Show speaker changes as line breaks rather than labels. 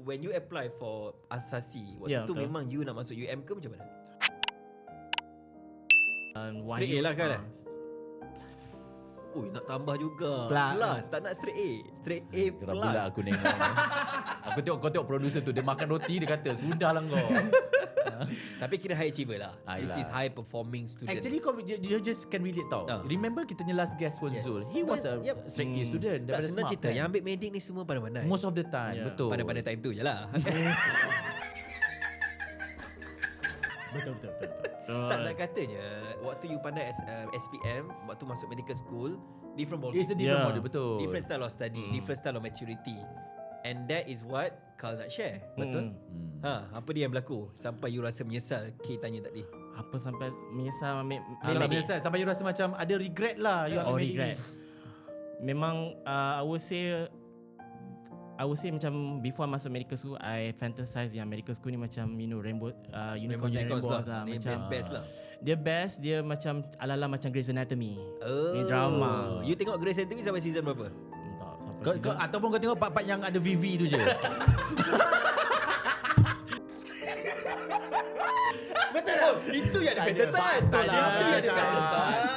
when you apply for Asasi, waktu tu memang you nak masuk UM ke macam mana? Straight A lah kan? Ui, nak tambah juga plus. Tak nak straight A. Straight A plus.
Pula aku nengok. Kau tengok producer tu, dia makan roti, dia kata sudahlah kau.
Tapi kira high achiever lah. This is high performing student.
Actually you just can relate tau. Remember kita punya last guest pun Zul. He was a straight A student.
Tak senang cerita. Yang ambil medik ni semua pandai-pandai.
Most of the time. Betul.
Pandai-pandai time tu je lah.
Betul.
Tak nak katanya waktu you pandai SPM, waktu masuk medical school, different ball.
It's a different model, betul.
Different style of study, different style of maturity. And that is what Carl nak share.
Betul.
Apa dia yang berlaku sampai you rasa menyesal? Kay tanya tadi.
Apa sampai menyesal ambil
Kalau menyesal sampai you rasa macam ada regret lah you ambil medik
regret. Memang I would say macam before masuk medical school, I fantasize yang medical school ni macam rainbow unicorns lah.
Macam best lah.
Dia best, dia macam ala-ala macam Grey's Anatomy. Ni drama.
You tengok Grey's Anatomy sampai season berapa?
Tak sampai
kau, ataupun kau tengok part-part yang ada VV tu je.
Betul lah. Itu yang ada fantasize. Itu yang ada fantasize.